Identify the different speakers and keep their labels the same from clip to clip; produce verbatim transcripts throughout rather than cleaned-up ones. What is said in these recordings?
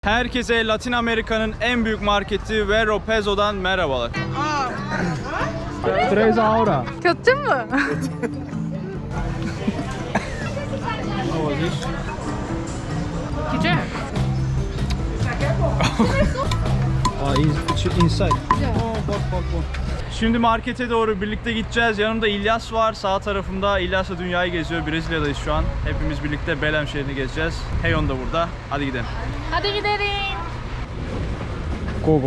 Speaker 1: Herkese Latin Amerika'nın en büyük marketi Vero Peso'dan merhabalar. Tres Aura.
Speaker 2: Kötü mü? Güzel.
Speaker 1: Aa, inside. Oh, bak bak bak. Şimdi markete doğru birlikte gideceğiz. Yanımda İlyas var. Sağ tarafımda İlyas'la dünyayı geziyor. Brezilya'dayız şu an. Hepimiz birlikte Belém şehrini gezeceğiz. Heyon da burada. Hadi gidelim.
Speaker 2: Hadi gidelim.
Speaker 1: Go go.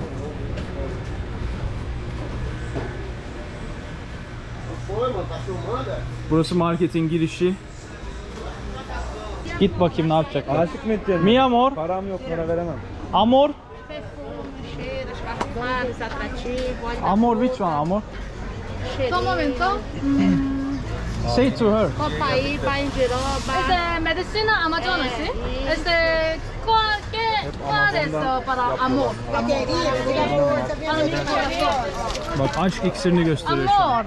Speaker 1: Burası marketin girişi. Git bakayım ne yapacaklar.
Speaker 3: Aşık mı edeceksin?
Speaker 1: Mi amor?
Speaker 3: Param yok, para veremem.
Speaker 1: Amor?
Speaker 4: Cheiros, parfumades, atrativos.
Speaker 1: Amor which one amor?
Speaker 2: Só un momento.
Speaker 1: Say to her.
Speaker 4: Copaí, Paindiroba.
Speaker 2: Este, medicina amazona, ¿sí? Este, ¿cuál, qué, cuál es uh, para amor? Para mi corazón.
Speaker 1: Bak aşk iksirini gösteriyor şu an.
Speaker 2: Amor.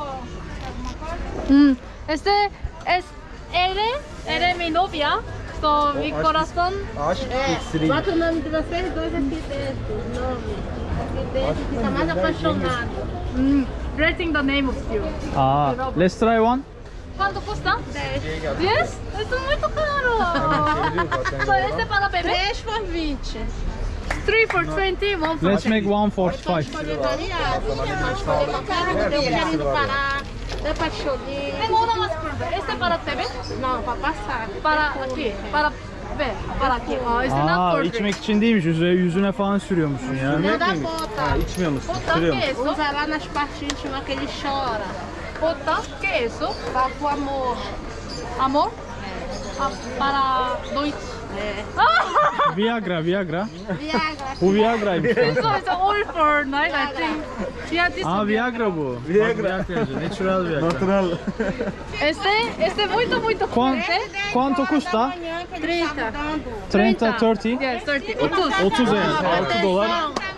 Speaker 2: Mm, Este es Ere, Ere mi novia. So, mi corazón.
Speaker 3: Aşk iksiri.
Speaker 4: Bota o nome de vocês dois aqui dentro, o nome. Aqui dentro, fica mais apaixonado.
Speaker 2: Mm, Rating the name of you.
Speaker 1: Aa, let's try one.
Speaker 2: ¿Cuánto cuesta? diez. Esto es muy caro. So, este para bebé.
Speaker 4: três por vinte.
Speaker 2: three for twenty, one for
Speaker 1: Let's
Speaker 2: ten.
Speaker 1: make one forty-five.
Speaker 4: Escolher variado. Pode escolher qualquer um. Tem o querido Pará, tem Pacholinho.
Speaker 2: Tengo una más por ver. Este para bebé.
Speaker 4: Não, para passar.
Speaker 2: Para aquí. Para ver. Para aquí. Oh, este not
Speaker 1: Aa,
Speaker 2: for
Speaker 1: içmek için değilmiş. Yüzüne, yüzüne falan sürüyormuşsun ya.
Speaker 4: Não dá bota.
Speaker 3: İçmiyor musun?
Speaker 2: Puta,
Speaker 3: Sürüyor
Speaker 2: ¿qué
Speaker 3: musun?
Speaker 2: es eso?
Speaker 4: Usa lá nas partes íntimas que ele chora.
Speaker 2: Puta, ¿qué es eso?
Speaker 4: Para o amor.
Speaker 2: Amor. Ah, para dois.
Speaker 4: É.
Speaker 1: Viagra, Viagra.
Speaker 4: Viagra.
Speaker 1: Bu Viagra'ymış.
Speaker 2: This one is all for night, I think. Yeah, this
Speaker 1: Aa,
Speaker 2: one.
Speaker 1: Viagra bu.
Speaker 3: Viagra.
Speaker 1: Bak, Viagra yazıyor. Natural Viagra.
Speaker 3: Natural.
Speaker 2: Este, este muito, muito
Speaker 1: Quan-
Speaker 2: fuerte.
Speaker 1: Quanto custa?
Speaker 4: trinta.
Speaker 1: thirty, thirty.
Speaker 2: Yes, thirty. otuz.
Speaker 1: otuz yani. altı dolar.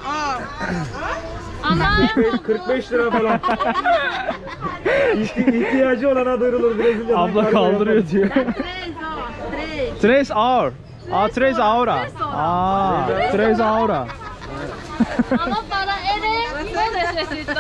Speaker 2: Ama
Speaker 3: kırk beş lira falan. İhti- İhtiyacı olana duyurulur Brezilya'dan.
Speaker 1: Abla
Speaker 3: kargo
Speaker 1: kaldırıyor diyor.
Speaker 4: Três, ó. Três.
Speaker 1: Tres Aura. Aa, Tres Aura. Aa, Tres Aura.
Speaker 2: ama para ele no necesita.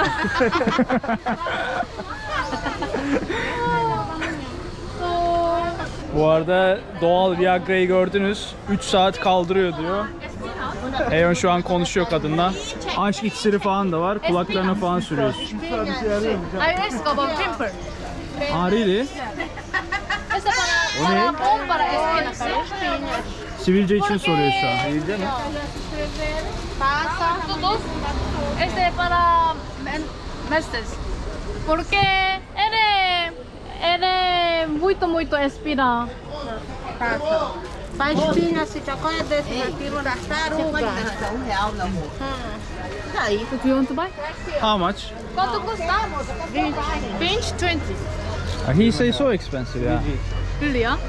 Speaker 2: So,
Speaker 1: Bu arada doğal Viagra'yı gördünüz. üç saat kaldırıyor diyor. Eyon şu an konuşuyor kadınla. Aşk iksiri falan da var. Kulaklarına falan sürüyorsun.
Speaker 2: I asked about pimple.
Speaker 1: Aa, really?
Speaker 2: Este para, para bom para espinas, ¿sí?
Speaker 1: Sivilce için soruyor şu an.
Speaker 4: Passa.
Speaker 2: Todos. Este para men- mestres. Porque ele, ele muito, muito espina.
Speaker 4: Passa. Faz espinha, se chocolate desse naquilo, tartaruga.
Speaker 2: Do you want to buy?
Speaker 1: How much?
Speaker 2: Quanto custa? vinte, twenty.
Speaker 1: Uh, He says so expensive, yeah.
Speaker 2: Really, yeah?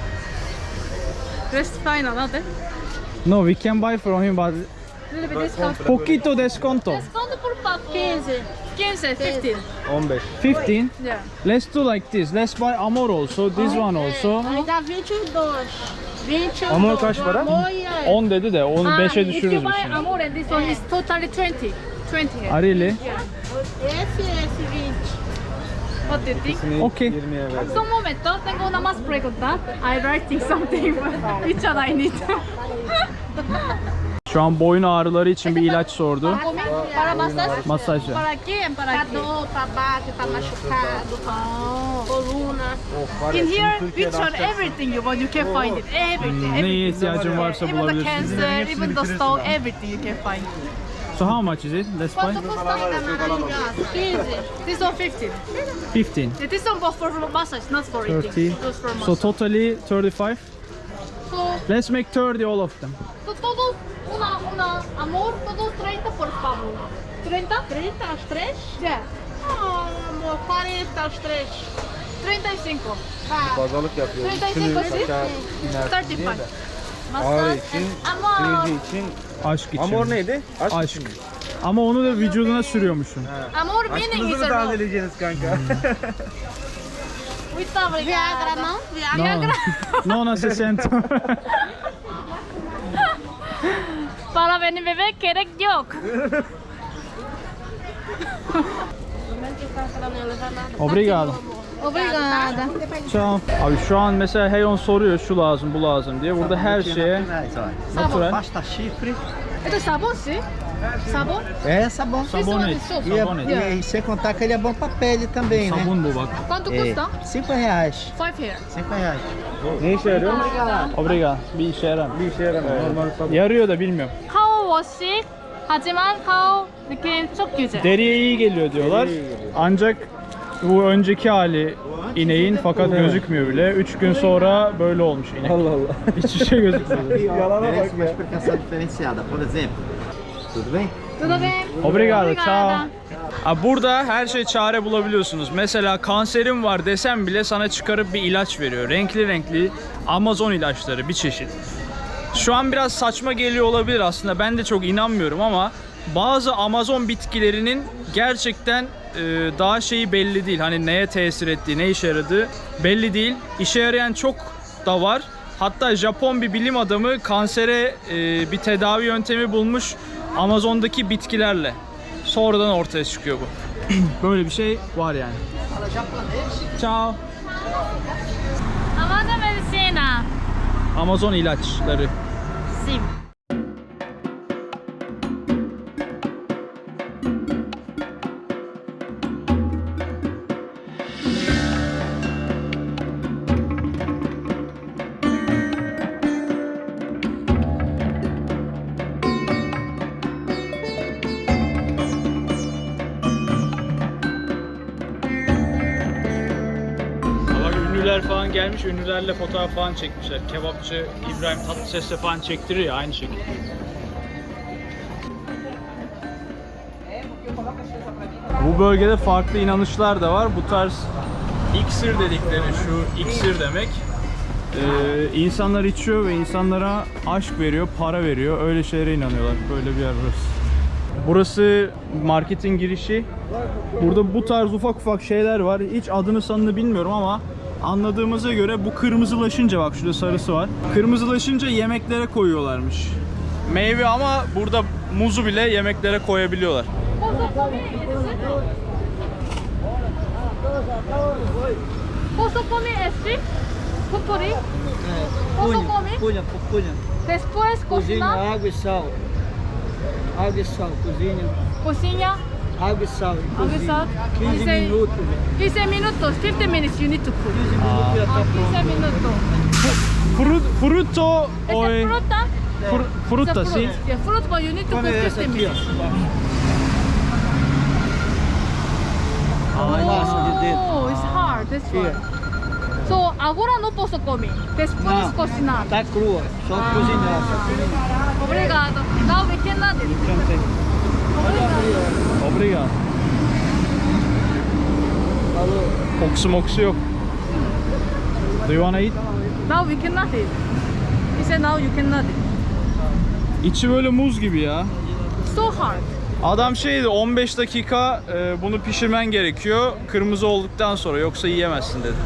Speaker 2: Rest final, not it?
Speaker 1: No, we can buy from him, but
Speaker 2: Little bit discount.
Speaker 1: poquito desconto.
Speaker 2: Desconto por favor.
Speaker 4: quinze.
Speaker 2: quince, fifteen.
Speaker 3: on beş.
Speaker 1: fifteen.
Speaker 2: Yeah.
Speaker 1: Let's do like this. Let's buy Amor also, this one also.
Speaker 4: Aí dá vinte e dois. vinte e
Speaker 3: Amor
Speaker 4: dois.
Speaker 3: kaç para?
Speaker 4: Amor e aí.
Speaker 1: on dedi de onu
Speaker 2: Ah,
Speaker 1: beşe
Speaker 2: if you
Speaker 1: düşürürüz biz
Speaker 2: buy
Speaker 1: şimdi.
Speaker 2: Amor and this one is totally twenty. twenty.
Speaker 1: Ah, really?
Speaker 4: Esse e esse vinte.
Speaker 2: What do you think?
Speaker 3: İkisini
Speaker 1: Okey.
Speaker 3: yirmiye verdim.
Speaker 2: So un momento, tengo una más pregunta. I writing something. Which one I need?
Speaker 1: Şu an boyun ağrıları için bir ilaç sordu.
Speaker 2: Para massagem?
Speaker 1: Masaj.
Speaker 2: Para quién? Para
Speaker 4: Pra
Speaker 2: quién?
Speaker 4: dor, pra base, pra machucado,
Speaker 2: Oh.
Speaker 4: coluna.
Speaker 3: Of var ya,
Speaker 2: In
Speaker 3: şimdi
Speaker 2: here,
Speaker 3: Türkiye'de
Speaker 2: which one,
Speaker 3: açacaksın.
Speaker 2: everything you want, you can find it. Everything.
Speaker 1: Neye
Speaker 2: everything.
Speaker 1: ihtiyacın varsa
Speaker 2: Even the
Speaker 1: bulabilirsin.
Speaker 2: cancer, even the stone, everything you can find.
Speaker 1: So how much is it? Let's buy.
Speaker 2: Quanto custa?
Speaker 4: quinze.
Speaker 2: This one fifteen.
Speaker 1: fifteen.
Speaker 2: Yeah, this one for massage, not for
Speaker 1: thirty.
Speaker 2: eating. Just for
Speaker 1: So
Speaker 2: massage.
Speaker 1: totally thirty-five.
Speaker 2: So,
Speaker 1: Let's make thirty all of them.
Speaker 2: so todos, una, una, amor, todos treinta por favor. treinta?
Speaker 4: trinta aos três?
Speaker 2: Yeah.
Speaker 4: Oh, amor, quarenta aos três.
Speaker 2: treinta y cinco.
Speaker 4: Vai.
Speaker 3: Pazarlık yapıyoruz.
Speaker 2: treinta y
Speaker 3: Şunu
Speaker 2: cinco, sí?
Speaker 3: aşağı inersin
Speaker 2: thirty
Speaker 3: diye
Speaker 2: five.
Speaker 3: de. Ağrı
Speaker 2: Massage
Speaker 3: için,
Speaker 2: and amor.
Speaker 3: sivilce için.
Speaker 1: Aşk için.
Speaker 3: Amor neydi? Aşk,
Speaker 1: Aşk.
Speaker 3: için mi?
Speaker 1: Ama onu da vücuduna sürüyormuşsun.
Speaker 2: Amor meaning
Speaker 3: Aşkınızı
Speaker 2: is
Speaker 3: mı
Speaker 2: a rope.
Speaker 3: tazeleyeceksiniz kanka?
Speaker 2: Muito obrigada.
Speaker 4: Viagra não? Viagra.
Speaker 1: No, no necesito.
Speaker 2: benim bebek gerek yok.
Speaker 1: Obrigado.
Speaker 2: Obrigada.
Speaker 1: Ciao. Abi şu an mesela Heyon soruyor şu lazım bu lazım diye. Burada her şeye natural.
Speaker 3: Pasta chifre.
Speaker 2: Esto es sabon, sí? Sabon?
Speaker 3: É sabão.
Speaker 1: Sabonete.
Speaker 3: E,
Speaker 1: Sabonete.
Speaker 3: é- e sem contar que ele é bom pra pele também, né?
Speaker 1: Sabun bu bak.
Speaker 2: ¿Cuánto
Speaker 3: É,
Speaker 2: custa?
Speaker 3: cinco reais.
Speaker 2: Five here.
Speaker 3: Cinco reais.
Speaker 1: Ne işe yarıyor? Obrigado. Bir işe yarar.
Speaker 3: Bir işe yaramıyor. Normal sabun.
Speaker 1: Yarıyor da bilmiyorum.
Speaker 2: 카오 워시 하지만 카오 느낌 çok güzel.
Speaker 1: Deriye iyi geliyor diyorlar. Ancak bu önceki hali ineğin fakat gözükmüyor bile. üç gün sonra böyle olmuş inek.
Speaker 3: Allah Allah.
Speaker 1: Hiçbir şey gözükmüyor.
Speaker 3: Yalana bak
Speaker 5: Merece uma
Speaker 3: ya.
Speaker 5: explicação diferenciada. Por exemplo, tudo bem?
Speaker 2: Tudo bem?
Speaker 1: Obrigado, ciao. Ha, burada her şey çare bulabiliyorsunuz. Mesela kanserim var desem bile sana çıkarıp bir ilaç veriyor. Renkli renkli Amazon ilaçları bir çeşit. Şu an biraz saçma geliyor olabilir aslında. Ben de çok inanmıyorum ama bazı Amazon bitkilerinin gerçekten e, daha şeyi belli değil. Hani neye tesir ettiği, ne işe yaradığı belli değil. İşe yarayan çok da var. Hatta Japon bir bilim adamı kansere e, bir tedavi yöntemi bulmuş Amazon'daki bitkilerle. Sonradan ortaya çıkıyor bu. Böyle bir şey var yani. Ciao.
Speaker 2: Amazon medicina.
Speaker 1: Amazon ilaçları.
Speaker 2: Sim.
Speaker 1: Bak ünlüler falan gelmiş, ünlülerle fotoğraf falan çekmişler. Kebapçı İbrahim Tatlıses'le falan çektirir ya aynı şekilde. Bu bölgede farklı inanışlar da var. Bu tarz iksir dedikleri, şu iksir demek. Ee, insanlar içiyor ve insanlara aşk veriyor, para veriyor. Öyle şeylere inanıyorlar. Böyle bir yer burası. Burası marketin girişi. Burada bu tarz ufak ufak şeyler var. Hiç adını sanını bilmiyorum ama anladığımıza göre bu kırmızılaşınca, bak şurada sarısı var. Kırmızılaşınca yemeklere koyuyorlarmış. Meyve ama burada muzu bile yemeklere koyabiliyorlar.
Speaker 2: Posso comer este? Pupuri? Posso comer?
Speaker 3: Punha, punha.
Speaker 2: Después
Speaker 3: Cozinha,
Speaker 2: cocinar,
Speaker 3: água e sal. Água e sal, cozinha.
Speaker 2: cocina,
Speaker 3: Água e sal.
Speaker 2: Água e sal.
Speaker 3: quinze
Speaker 2: Dice-
Speaker 3: minutos.
Speaker 2: fifteen minutos, fifteen minutes you need to cook.
Speaker 3: quinze minutos já
Speaker 2: Ah,
Speaker 3: tá pronto.
Speaker 2: fifteen minutos.
Speaker 1: Frut, frutto
Speaker 2: Este
Speaker 1: o
Speaker 2: es fruta.
Speaker 1: fr, frutta
Speaker 2: It's a
Speaker 1: sì.
Speaker 2: fruit. Yeah, fruit, but you need to
Speaker 3: Come
Speaker 2: cook
Speaker 3: essa
Speaker 2: fifteen
Speaker 3: aqui,
Speaker 2: minutes.
Speaker 3: ó. A massa de dentro.
Speaker 2: Oh, it's hard. This one.
Speaker 3: Here.
Speaker 2: So agora não posso comer. Después
Speaker 3: Não,
Speaker 2: cocinar.
Speaker 3: tá crua, só cozinhar. Só cozinhar.
Speaker 2: Obrigado. Now we cannot eat.
Speaker 1: Obrigado.
Speaker 3: Falou.
Speaker 1: Kokusu moksu yok. Do you wanna eat?
Speaker 2: Now we cannot eat. He said now you cannot eat.
Speaker 1: İçi böyle muz gibi ya.
Speaker 2: So hard.
Speaker 1: Adam şeydi, on beş dakika e, bunu pişirmen gerekiyor. Kırmızı olduktan sonra, yoksa yiyemezsin dedi.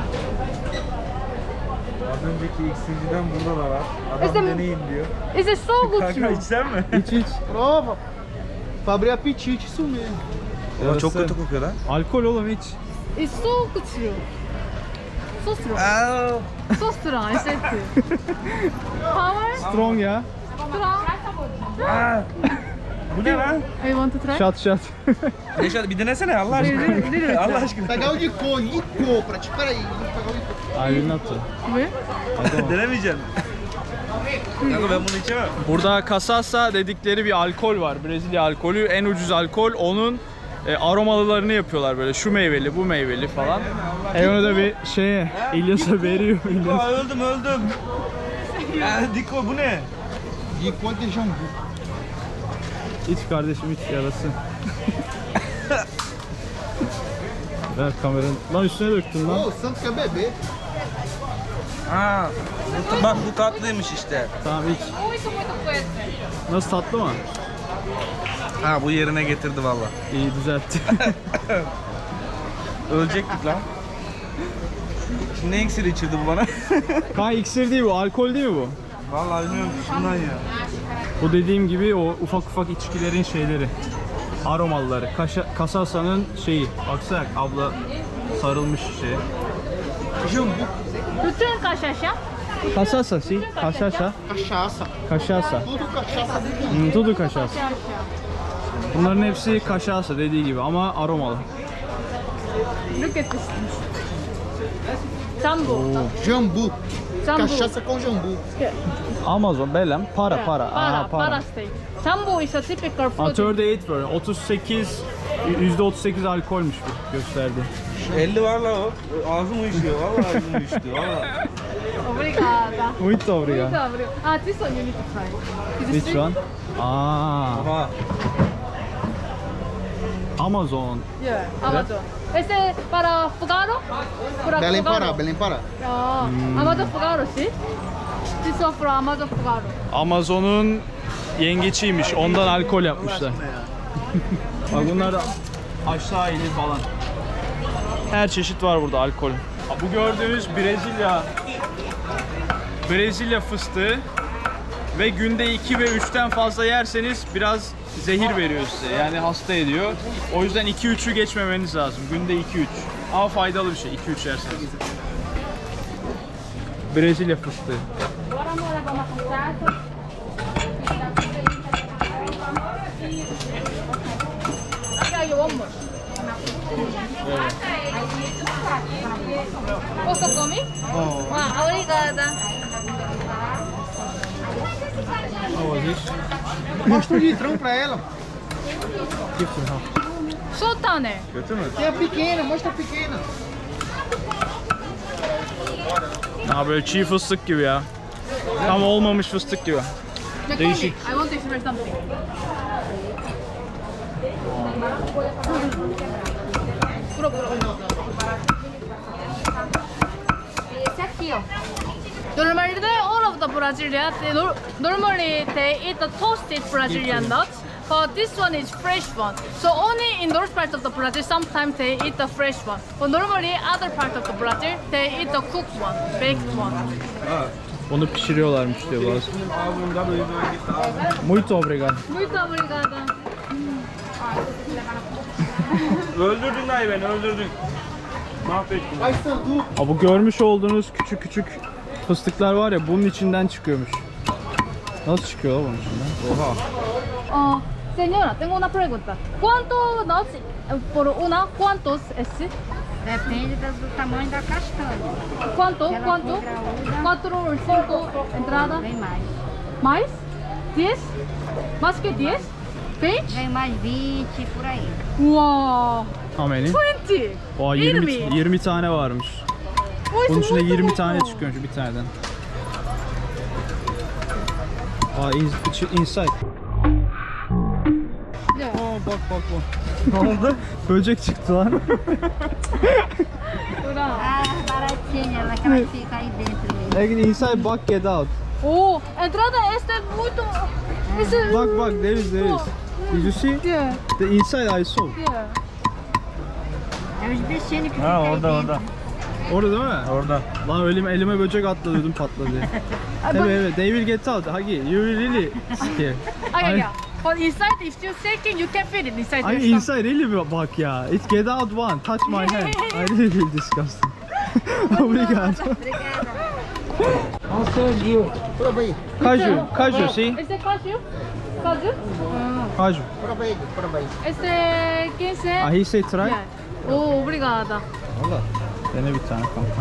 Speaker 3: Az önceki iksirciden burada da var. Adam
Speaker 2: Este-
Speaker 3: deneyin diyor.
Speaker 2: Is it so good?
Speaker 3: Kanka içsen mi?
Speaker 1: İç iç.
Speaker 3: Prova. Pra abrir apetite, isso mesmo.
Speaker 1: Ama çok kötü
Speaker 3: kokuyor lan.
Speaker 1: Alkol oğlum iç.
Speaker 2: It's so good. So strong. So strong. I said to. Power.
Speaker 1: Strong ya.
Speaker 2: Strong.
Speaker 3: Bu ne lan?
Speaker 2: I want to try.
Speaker 1: Şat şat.
Speaker 3: Neşat bir denesene Allah aşkına.
Speaker 2: Little, little.
Speaker 3: Allah aşkına.
Speaker 5: Pegar o licor, licor, pra te. Peraí, vou pegar o licor.
Speaker 1: I will not.
Speaker 2: Where?
Speaker 3: Denemeyeceksin. Kanka ben bunu içemem.
Speaker 1: Burada Cachaça dedikleri bir alkol var. Brezilya alkolü. En ucuz alkol. Onun e, aromalılarını yapıyorlar böyle. Şu meyveli, bu meyveli falan. E onu da bir şeye, İlyas'a veriyor. İlyas.
Speaker 3: Aa, öldüm öldüm. Ya Diko bu ne?
Speaker 5: Licor de jambu.
Speaker 1: İç kardeşim iç yarasın. Ver kameranı. Lan üstüne döktün lan.
Speaker 5: Ô, o Santos quer beber.
Speaker 3: Ha. bu- Bak bu tatlıymış işte.
Speaker 1: Tamam iç.
Speaker 2: Muito, muito fuerte.
Speaker 1: Nasıl, tatlı mı?
Speaker 3: Ha bu yerine getirdi valla.
Speaker 1: İyi düzeltti.
Speaker 3: Ölecektik lan. Şimdi ne iksiri içirdi bu bana?
Speaker 1: Kanka iksir değil bu, alkol değil mi bu?
Speaker 3: Vallahi bilmiyorum şundan ya.
Speaker 1: Bu dediğim gibi o ufak ufak içkilerin şeyleri. Aromalıları. Kaşa, Kasasa'nın şeyi. Baksana abla sarılmış şeye.
Speaker 5: Jambu,
Speaker 2: Bütün kaşaşa.
Speaker 1: Kasasa si. Kasasa.
Speaker 5: cachaça.
Speaker 1: Kaşasa.
Speaker 5: Tudo cachaça dentro.
Speaker 1: Hmm, tudu kaşasa. Bunların hepsi kaşasa dediği gibi ama aromalı.
Speaker 2: Look at this. Jumbo.
Speaker 5: Jambu.
Speaker 2: Jambu.
Speaker 5: Cachaça com jambu.
Speaker 1: Amazon, Belem, para, para.
Speaker 2: Para,
Speaker 1: Aha,
Speaker 2: para steak. Jumbo is a typical
Speaker 1: Aa,
Speaker 2: food.
Speaker 1: otuz sekiz böyle. otuz sekiz yüzde otuz sekiz alkolmüş bu gösterdi.
Speaker 3: elli var la o. Ağzım uyuşuyor. Vallahi ağzım uyuşuyor. Vallahi.
Speaker 2: Obrigada.
Speaker 1: Muito obrigado.
Speaker 2: Muito obrigada. Ah, this one you need to try. Is it
Speaker 1: Which one? Aa,
Speaker 3: Aha.
Speaker 1: Amazon.
Speaker 2: Yeah, Amazon. Este para Fugaro? Para
Speaker 5: Belém
Speaker 2: Fugaro.
Speaker 5: Pará, Belém Pará.
Speaker 2: Ah, Amazon Fugaro, see? This one for Amazon Fugaro.
Speaker 1: Amazon'un yengeçiymiş. Ondan alkol yapmışlar. Bak bunlar da aşağı inir falan. Her çeşit var burada alkol. Bu gördüğünüz Brezilya Brezilya fıstığı ve günde iki ve üçten fazla yerseniz biraz zehir veriyor size. Yani hasta ediyor. O yüzden iki üçü geçmemeniz lazım. Günde iki üç. Ama faydalı bir şey iki üç yerseniz. Brezilya fıstığı.
Speaker 2: Okay, you one more. Posso comer? Ah, obrigada.
Speaker 5: Mostra o litrão pra ela.
Speaker 2: Sultane.
Speaker 3: Kötü mü?
Speaker 5: Tem a pequena, mostra a pequena.
Speaker 1: Ha böyle çiğ fıstık gibi ya. Tam olmamış fıstık gibi. Değişik.
Speaker 2: I want to express something. Puro, puro. Esse aqui, ó. Normally, all of the Brazilians, they nor- normally they eat the toasted Brazilian nuts, but this one is fresh one. So only in those parts of the Brazil, sometimes they eat the fresh one. But normally, other parts of the Brazil, they eat the cooked one, baked one.
Speaker 3: Ha.
Speaker 1: Onu pişiriyorlarmış diyor bazı.
Speaker 3: Ağzımda böyle böyle gitti ağzım.
Speaker 1: Muito obrigado.
Speaker 2: Muito obrigada.
Speaker 3: Öldürdün dayı beni öldürdün. Mahvettin.
Speaker 5: Ai, sanduíche.
Speaker 1: Ha, bu görmüş olduğunuz küçük küçük fıstıklar var ya bunun içinden çıkıyormuş. Nasıl çıkıyor lan bunun içinden?
Speaker 3: Oha.
Speaker 2: Oh, señora, tengo una pregunta. ¿Cuánto nuts eh, por una? ¿Cuántos es?
Speaker 4: Depende do, do tamanho da castanha.
Speaker 2: ¿Cuánto?
Speaker 4: Se ela
Speaker 2: ¿Cuánto?
Speaker 4: for graúda,
Speaker 2: ¿Cuatro o cinco entradas?
Speaker 4: vem mais.
Speaker 2: ¿Más? ¿Diez? ¿Más que diez? ¿Veinte?
Speaker 4: Vem mais vinte, por aí.
Speaker 2: Wow!
Speaker 1: How many?
Speaker 2: Twenty!
Speaker 1: Oha, yirmi,
Speaker 2: Yirmi.
Speaker 1: yirmi tane varmış.
Speaker 2: Oh,
Speaker 1: Bunun
Speaker 2: it's
Speaker 1: içinde
Speaker 2: muito
Speaker 1: yirmi
Speaker 2: bom.
Speaker 1: tane çıkıyormuş bir taneden. Aa, in, içi- inside.
Speaker 2: Yeah.
Speaker 1: Aa, bak bak bak. Ne oldu? Böcek çıktı lan.
Speaker 2: Ura.
Speaker 4: Ah, baratinha, ela que ela fica aí dentro mesmo.
Speaker 1: Like inside bak get out.
Speaker 2: Oh, entrada esta es muito... Ese...
Speaker 1: Bak bak there is there is. Did you see?
Speaker 2: Yeah,
Speaker 1: The inside I saw.
Speaker 2: yeah.
Speaker 4: É os bichinhos que
Speaker 3: Ha
Speaker 4: ficam aí
Speaker 3: orada
Speaker 4: dentro.
Speaker 3: orada.
Speaker 1: Orada değil mi?
Speaker 3: Orada.
Speaker 1: Lan elime, elime böcek atladı ödüm patladı. Evet evet they will get out. Hagi you will really scare.
Speaker 2: Okay, yeah. But inside, if you're shaking, you can feel it inside
Speaker 1: Ay
Speaker 2: your stomach.
Speaker 1: inside really mi bak ya. It get out one. Touch my hand. I really feel disgusting. Obrigado.
Speaker 5: Prova aí.
Speaker 1: Kaju, kaju see?
Speaker 2: Este cashew? Cashew?
Speaker 1: Kaju.
Speaker 5: Prova aí, prova aí.
Speaker 2: Este quince.
Speaker 1: Ah he say try.
Speaker 2: Yeah. Oh, obrigada.
Speaker 1: Valla. Dene bir tane kanka.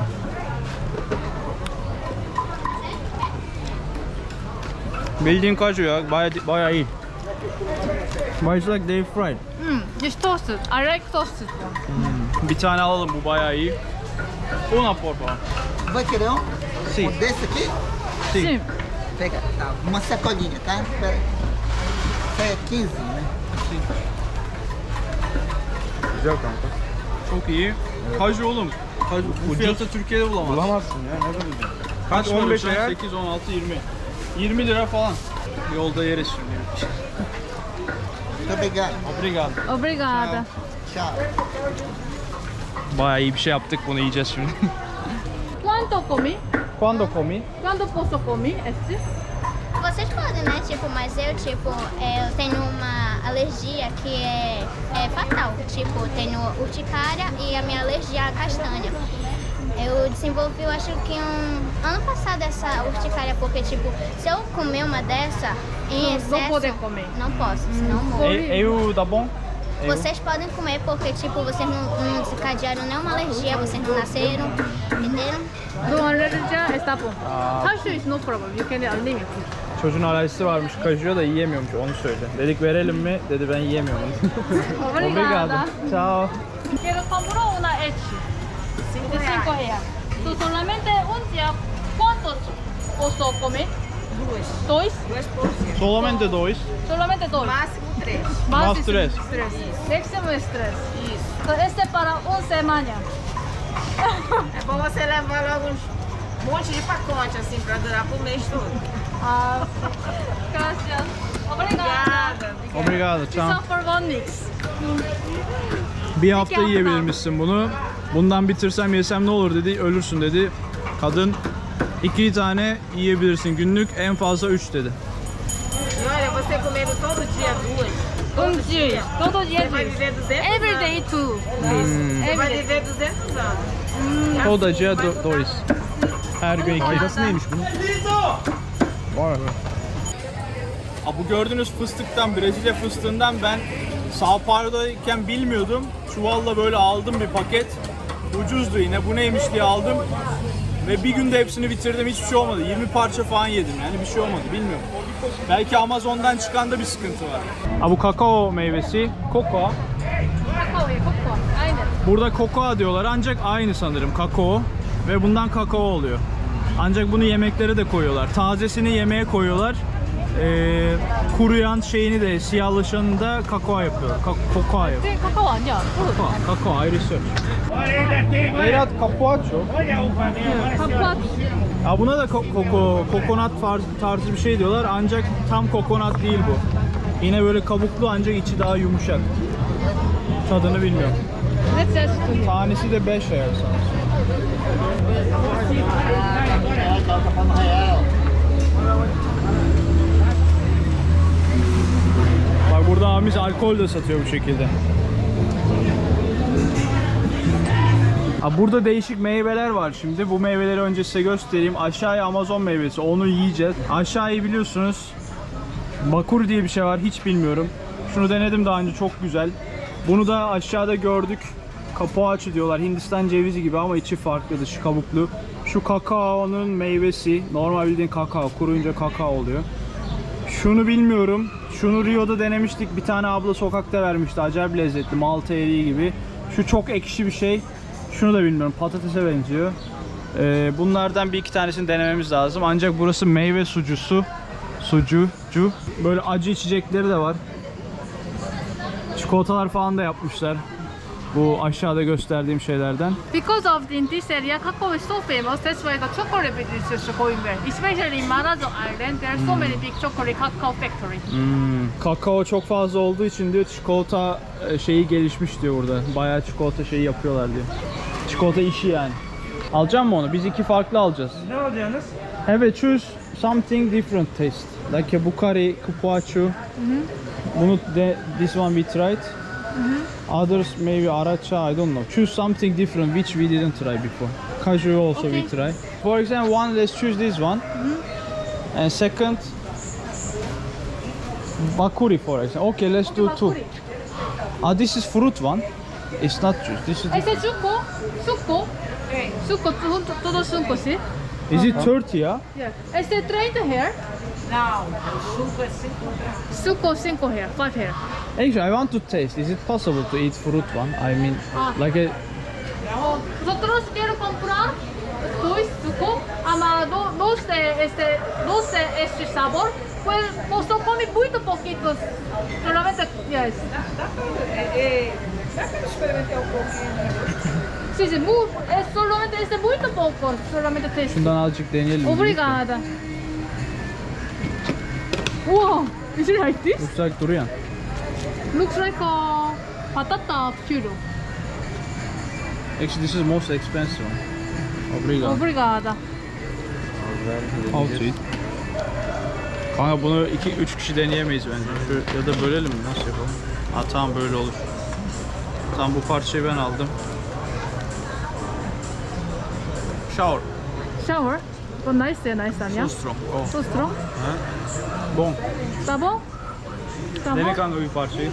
Speaker 1: Bildiğin kaju ya. Baya baya iyi. But it's like they fried.
Speaker 2: Mm, just toasted. I like toasted one.
Speaker 1: Bir tane alalım bu bayağı iyi. Una por favor.
Speaker 5: Vai querer um?
Speaker 1: Sim.
Speaker 5: Um desse aqui?
Speaker 2: Sim.
Speaker 5: Pega, tá, uma sacolinha, tá? Espera aí. Isso aí é quinze, né?
Speaker 3: Güzel kanka.
Speaker 1: Çok iyi. Kaju oğlum. Kaju. Bu fiyatı Türkiye'de bulamazsın.
Speaker 3: Bulamazsın ya ne bulacaksın? Kaç
Speaker 1: Kaç
Speaker 3: on beş eğer?
Speaker 1: sekiz, on altı, yirmi. yirmi lira falan. Yolda yeriz şimdi.
Speaker 5: Muito obrigado.
Speaker 1: Obrigado.
Speaker 2: Obrigada.
Speaker 5: Tchau.
Speaker 1: Bayağı iyi bir şey yaptık, bunu yiyeceğiz şimdi.
Speaker 2: ¿Cuánto comí?
Speaker 1: Quando comi?
Speaker 2: ¿Cuánto posso comer este?
Speaker 6: Vocês podem, né? Tipo, mas eu, tipo, é, eu tenho uma alergia que é, é fatal. Tipo, tenho urticária e a minha alergia à castanha. Eu desenvolvi, eu acho que um ano passado essa urticária, porque, tipo, se eu comer uma dessa em
Speaker 2: Não- não
Speaker 6: excesso...
Speaker 2: pode comer.
Speaker 6: Não posso, senão morro.
Speaker 1: E, eu tá bom? Eu.
Speaker 6: Vocês podem comer porque, tipo, vocês não, não desencadearam nenhuma alergia, vocês não nasceram, entenderam?
Speaker 2: No allergia está bom.
Speaker 1: Aa.
Speaker 2: Her şey is no problem. You can unlimited.
Speaker 1: Çocuğun alerjisi varmış, kajıyor da yiyemiyormuş, onu söyle. Dedik verelim mi? Dedi ben yiyemiyorum.
Speaker 2: Obrigada.
Speaker 1: Ciao.
Speaker 2: Quiero comprar una Etsy. De cinco reais. So, solamente un día, ¿cuántos oso come? Dois. Dois?
Speaker 1: Solamente dois.
Speaker 2: Solamente dois.
Speaker 7: Máximo três.
Speaker 1: Máximo tres.
Speaker 2: Tres. Máximo es tres. So, este para una semana.
Speaker 7: É bom você levar logo uns um monte de pacote assim pra durar pro mês todo.
Speaker 2: Ah, gracias. Obrigada.
Speaker 1: Obrigado,
Speaker 2: This
Speaker 1: ciao.
Speaker 2: one for one mix.
Speaker 1: Bir hafta
Speaker 2: hafta
Speaker 1: yiyebilirmişsin bunu. Bundan bitirsem yesem ne olur dedi, ölürsün dedi. Kadın iki tane yiyebilirsin günlük, en fazla üç dedi.
Speaker 7: E olha, você comendo todo dia duas,
Speaker 2: Um dia. Todo dia
Speaker 7: você vai
Speaker 2: duas.
Speaker 7: viver duzentos
Speaker 2: Every
Speaker 7: anos.
Speaker 2: day two.
Speaker 7: Você
Speaker 2: Every
Speaker 7: vai
Speaker 2: day.
Speaker 7: viver duzentos anos.
Speaker 1: Odacıya do dois. Her gün iki.
Speaker 2: Faydası
Speaker 1: neymiş bunun? Var mı? Bu gördüğünüz fıstıktan, Brezilya fıstığından ben Sao Paulo'dayken bilmiyordum. Çuvalla böyle aldım bir paket. Ucuzdu yine. Bu neymiş diye aldım. Ve bir günde hepsini bitirdim. Hiçbir şey olmadı. yirmi parça falan yedim. Yani bir şey olmadı. Bilmiyorum. Belki Amazon'dan çıkanda bir sıkıntı var. Ha, bu kakao meyvesi. Koko.
Speaker 2: Kakao ye, kakao. Aynen.
Speaker 1: Burada kokoa diyorlar ancak aynı sanırım kakao ve bundan kakao oluyor. Ancak bunu yemeklere de koyuyorlar. Tazesini yemeğe koyuyorlar. Ee, kuruyan şeyini de siyahlaşanını da kakao yapıyorlar. Ka- kokoa yapıyor.
Speaker 2: 네, kakao 아니야.
Speaker 1: Kakao, kakao ayrı söz. Berat capuacho.
Speaker 2: kakao.
Speaker 1: Ya buna da ko- koko, kokonat tarzı, tarzı bir şey diyorlar ancak tam kokonat değil bu. Yine böyle kabuklu ancak içi daha yumuşak. Tadını bilmiyorum.
Speaker 2: Let's just
Speaker 1: Tanesi de beş real sanırım. Bak burada abimiz alkol de satıyor bu şekilde. Ha, burada değişik meyveler var şimdi. Bu meyveleri önce size göstereyim. Aşağıya Amazon meyvesi. Onu yiyeceğiz. Aşağıyı biliyorsunuz. Bakur diye bir şey var. Hiç bilmiyorum. Şunu denedim daha önce. Çok güzel. Bunu da aşağıda gördük. Capuaço diyorlar. Hindistan cevizi gibi ama içi farklı, dışı kabuklu. Şu kakaonun meyvesi. Normal bildiğin kakao. Kuruyunca kakao oluyor. Şunu bilmiyorum. Şunu Rio'da denemiştik. Bir tane abla sokakta vermişti. Acayip lezzetli. Malta eriği gibi. Şu çok ekşi bir şey. Şunu da bilmiyorum. Patatese benziyor. Ee, bunlardan bir iki tanesini denememiz lazım. Ancak burası meyve sucusu. Sucucu. Böyle acı içecekleri de var. Çikolatalar falan da yapmışlar. Bu aşağıda gösterdiğim şeylerden.
Speaker 2: Because of in this area, kakao is so famous. That's why the chocolate business is going well. Especially in Marajo Island, there are so many big chocolate cacao factories.
Speaker 1: Hmm. Kakao çok fazla olduğu için diyor çikolata e, şeyi gelişmiş diyor burada. Bayağı çikolata şeyi yapıyorlar diyor. Çikolata işi yani. Alacağım mı onu? Biz iki farklı alacağız.
Speaker 3: Ne alacaksınız?
Speaker 1: Have a choose something different taste. Like a Bukhari, Capuaço. Bunu de, this one we tried. Others maybe Aracha, I don't know. Choose something different which we didn't try before. Caju also
Speaker 2: Okay.
Speaker 1: we try. For example, one let's choose this one. And second Bakuri for example. Okay, let's do two. Ah, this is fruit one. It's not juice. This is
Speaker 2: Ese es suco, suco, suco, todo- todo suco, ¿sí?
Speaker 1: Is it thirty ya?
Speaker 2: Yeah. Este treinta here,
Speaker 7: Não, suco é cinco reais.
Speaker 2: suco cinco here, five here.
Speaker 1: Actually, I want to taste. Is it possible to eat fruit one? I mean,
Speaker 2: Ah.
Speaker 1: like a
Speaker 2: Nosotros quiero comprar dois suco, ama do, dos de este, dos de este sabor. Pues, pues no come muy poquitos, solamente, yes.
Speaker 7: É, é, dá pra experimentar um pouquinho.
Speaker 2: Sí, sí, muy, es solamente este muy poco, solamente taste.
Speaker 1: şundan azıcık deneyelim.
Speaker 2: Obrigada. Wow, is it like this?
Speaker 1: Looks like durian.
Speaker 2: Looks like a patata puree.
Speaker 1: Actually, this is most expensive one. Obrigado.
Speaker 2: Obrigada.
Speaker 1: How to eat? Kanka bunu iki üç kişi deneyemeyiz bence. Şu, ya da bölelim mi? Nasıl yapalım? Ha tamam böyle olur. Tamam bu parçayı ben aldım. Shower.
Speaker 2: Shower. 이건 나이스야, 나이스 아니야?
Speaker 1: So strong. Oh.
Speaker 2: So strong?
Speaker 1: Bon.
Speaker 2: 따봉?
Speaker 1: Dene
Speaker 2: 따봉?
Speaker 1: kanka bir parçayı.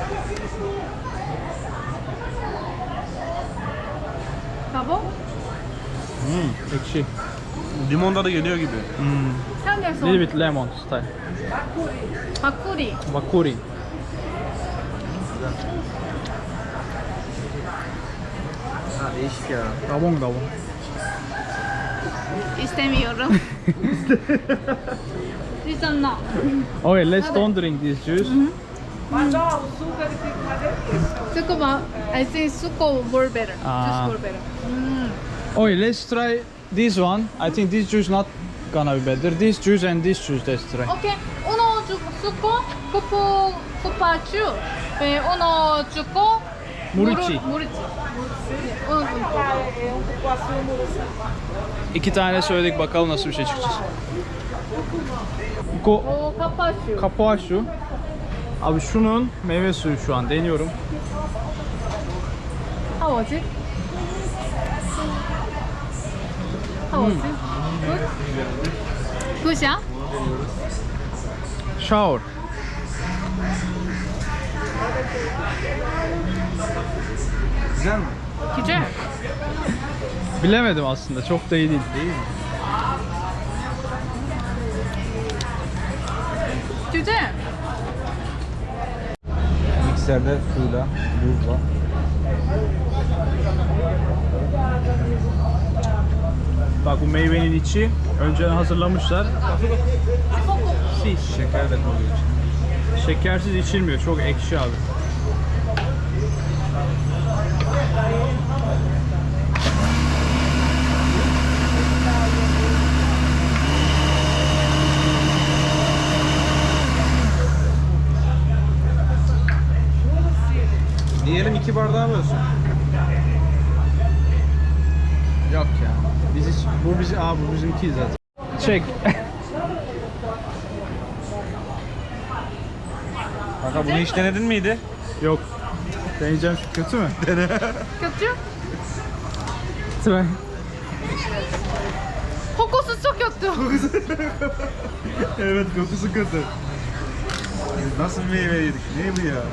Speaker 2: 따봉?
Speaker 1: Hmm, ekşi.
Speaker 3: Limon tadı geliyor gibi.
Speaker 1: Hmm.
Speaker 2: 향내서
Speaker 1: Little bit lemon style.
Speaker 2: 바꾸리.
Speaker 1: Bakuri.
Speaker 3: Ha değişik ya.
Speaker 1: Dabong dabong.
Speaker 2: İstemiyorum. Listen now.
Speaker 1: Okay, let's don't drink this juice.
Speaker 2: Suko, I think Suko more better.
Speaker 1: Ah.
Speaker 2: Just more better. Mm.
Speaker 1: Okay, let's try this one. I think this juice not gonna be better. This juice and this juice let's try.
Speaker 2: Okay, uno 주고 Suko, 쿠포 쿠파추, 네, uno 주고
Speaker 1: Murici.
Speaker 2: 무리치. Uno 주고.
Speaker 1: İki tane söyledik bakalım nasıl bir şey çıkacak. Ko
Speaker 2: 오, 카파슈.
Speaker 1: Kapuaşu. Abi şunun meyve suyu şu an deniyorum.
Speaker 2: How was it? How was it? Good? Good,
Speaker 1: Shower.
Speaker 3: Güzel mi?
Speaker 2: güzel.
Speaker 1: Bilemedim aslında çok da iyi değil.
Speaker 3: Değil mi?
Speaker 2: güzel.
Speaker 3: Mikserde suyla, buzla.
Speaker 1: Bak bu meyvenin içi önceden hazırlamışlar.
Speaker 3: Şeker de koyuyor içine.
Speaker 1: Şekersiz içilmiyor. Çok ekşi abi.
Speaker 3: Diyelim iki bardağı bölsün.
Speaker 1: Yok ya. Biz hiç, bu bizim, aa bu bizimki zaten. Çek.
Speaker 3: Kanka bunu hiç denedin miydi?
Speaker 1: Yok. Deneyeceğim şu kötü mü?
Speaker 2: kötü?
Speaker 1: Try.
Speaker 2: 코코스 çok kötü.
Speaker 3: Evet, kokusu kötü. Nasıl bir meyve yedik? Ne bu ya?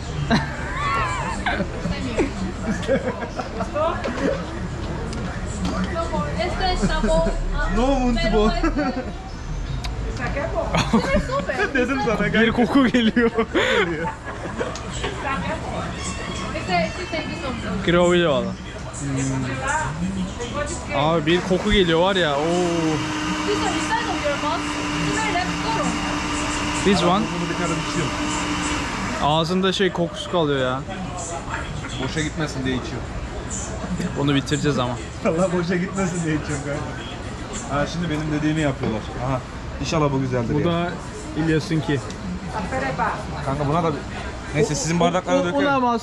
Speaker 2: Este es sabor.
Speaker 3: No Muntibo.
Speaker 2: Super.
Speaker 3: Dedim sana
Speaker 1: Bir koku geliyor.
Speaker 2: Este sí se hizo.
Speaker 1: Gravili valla. Abi bir koku geliyor var ya. Oo.
Speaker 2: Listo, inside of your mouth. Smell it, go.
Speaker 1: This one.
Speaker 3: Bunu bir kere içiyorum.
Speaker 1: Ağzında şey kokusu kalıyor ya.
Speaker 3: Boşa gitmesin diye içiyorum.
Speaker 1: Bunu bitireceğiz ama.
Speaker 3: Allah boşa gitmesin diye içiyorum kanka. Ha şimdi benim dediğimi yapıyorlar. Aha. İnşallah bu güzeldir
Speaker 1: Bu
Speaker 3: ya.
Speaker 1: da İlyas'ınki.
Speaker 3: Kanka buna da bir... Neyse sizin bardaklara dökelim.
Speaker 1: Olamaz.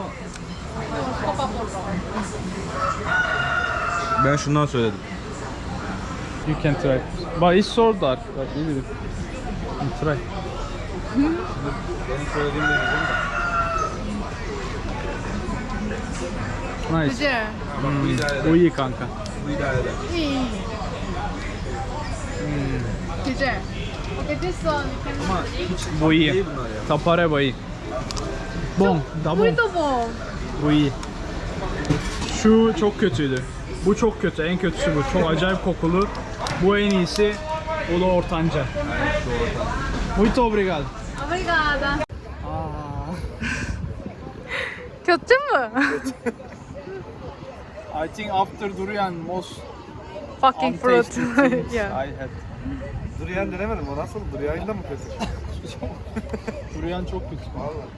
Speaker 3: Ben şundan söyledim.
Speaker 1: You can try. But it's so dark. But you will. You try.
Speaker 3: Benim söylediğim de güzel de.
Speaker 1: Nice.
Speaker 2: güzel.
Speaker 3: Bu idare eder.
Speaker 1: Bu iyi kanka.
Speaker 3: Bu idare eder.
Speaker 2: İyi. güzel. Okay, this one you can
Speaker 3: Ama hiç
Speaker 1: Bu iyi.
Speaker 3: değil bunlar ya.
Speaker 1: Tapareba iyi. Bon, da bon.
Speaker 2: Burrito bon.
Speaker 1: Bu iyi. Şu çok kötüydü. Bu çok kötü. En kötüsü bu. Çok acayip kokulu. Bu en iyisi. O da ortanca. Muito obrigado.
Speaker 2: Obrigada. kötü mü?
Speaker 1: I think after durian most
Speaker 2: Fucking fruit.
Speaker 1: untasty things
Speaker 2: yeah.
Speaker 1: I had.
Speaker 3: Durian denemedim o nasıl? Durian'da mı kötü?
Speaker 1: Durian çok kötü.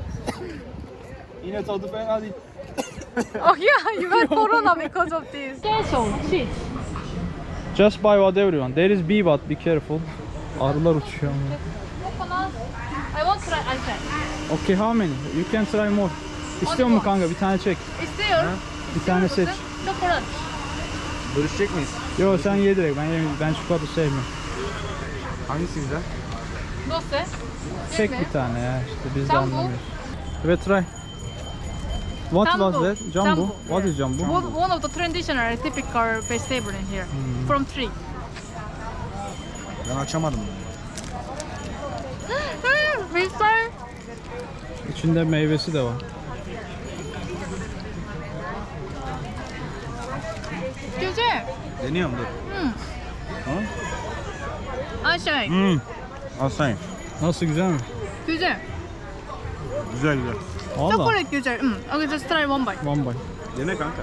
Speaker 1: Yine tadı fena değil.
Speaker 2: Oh yeah, you got corona because of this. Queso, cheese.
Speaker 1: Just buy whatever you want. There is bee but be careful. Arılar uçuyor ama.
Speaker 2: Coconut. I want try. I try.
Speaker 1: Okay, how many? You can try more. İstiyor musun kanka? Bir tane çek.
Speaker 2: İstiyor.
Speaker 1: Bir tane seç.
Speaker 2: Çokolat.
Speaker 3: Bölüşecek miyiz?
Speaker 1: Yo sen ye direkt. Ben yemeyeyim. Ben çikolata sevmiyorum.
Speaker 3: Hangisi güzel?
Speaker 2: Doce.
Speaker 1: Tek bir tane ya işte biz de
Speaker 2: Jumbo.
Speaker 1: anlamıyoruz. Evet try. What was
Speaker 2: Jumbo.
Speaker 1: that? Jumbo.
Speaker 2: Jumbo,
Speaker 1: What is
Speaker 2: yeah.
Speaker 1: jumbo?
Speaker 2: One, one of the traditional typical vegetable in here. From tree.
Speaker 3: Ben açamadım.
Speaker 2: Hmm, Güzel.
Speaker 1: İçinde meyvesi de var.
Speaker 2: Güzel.
Speaker 3: Deniyorum dur.
Speaker 2: Aşağı.
Speaker 3: Hmm. Asayım.
Speaker 1: Nasıl, güzel mi?
Speaker 2: Güzel.
Speaker 3: Güzel güzel.
Speaker 1: Valla.
Speaker 2: Chocolate güzel. Hmm. Okay, just try one bite.
Speaker 1: One bite.
Speaker 3: Dene kanka.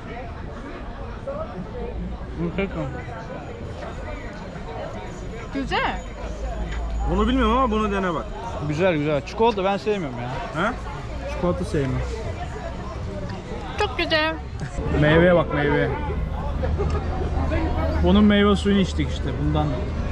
Speaker 2: Güzel.
Speaker 3: Bunu bilmiyorum ama bunu dene bak.
Speaker 1: Güzel güzel. Çikolata ben sevmiyorum ya.
Speaker 3: He?
Speaker 1: Çikolata sevmiyorum.
Speaker 2: Çok güzel.
Speaker 1: Meyveye bak, meyveye. Bunun meyve suyunu içtik işte bundan.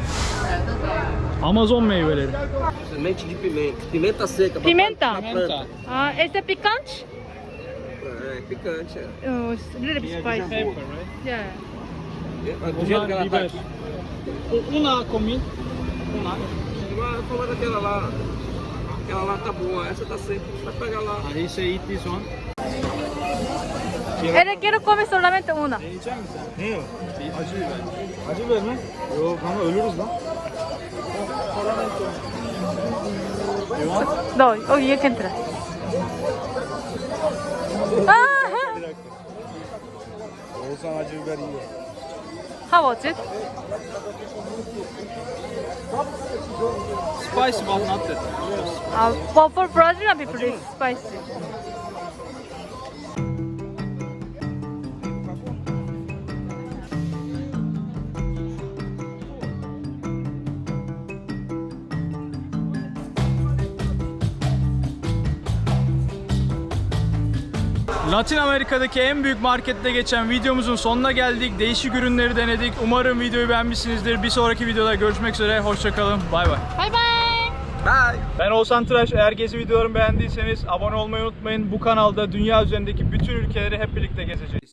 Speaker 1: Amazon meyveleri.
Speaker 8: Semente de pimenta. Pimenta seca. pra-
Speaker 2: Pimenta.
Speaker 8: pra planta.
Speaker 2: Ah, esse é picante?
Speaker 8: É, picante. É.
Speaker 2: Oh, it's a little bit spicy. Yeah.
Speaker 8: É, Do jeito que ela tá aqui.
Speaker 1: Una comida.
Speaker 8: Igual como daquela lá. Aquela lá tá boa, essa tá seca. Vai pegar lá.
Speaker 1: He say eat this one.
Speaker 2: Él quiero comer solamente una.
Speaker 3: Ne o? Acı biber. Acı biber mi? Yok kanka ölürüz lan.
Speaker 2: No, oh, you can try. Ah,
Speaker 3: Oğuzhan acı biber yiyor.
Speaker 2: how was it?
Speaker 1: Spicy but not that.
Speaker 2: Uh, for, for Brazilian people, it's spicy.
Speaker 1: Latin Amerika'daki en büyük markette geçen videomuzun sonuna geldik. Değişik ürünleri denedik. Umarım videoyu beğenmişsinizdir. Bir sonraki videoda görüşmek üzere. Hoşçakalın. Bay bay.
Speaker 2: Bye bye.
Speaker 8: Vai!
Speaker 1: Ben Oğuzhan Tıraş. Eğer gezi videolarımı beğendiyseniz abone olmayı unutmayın. Bu kanalda dünya üzerindeki bütün ülkeleri hep birlikte gezeceğiz.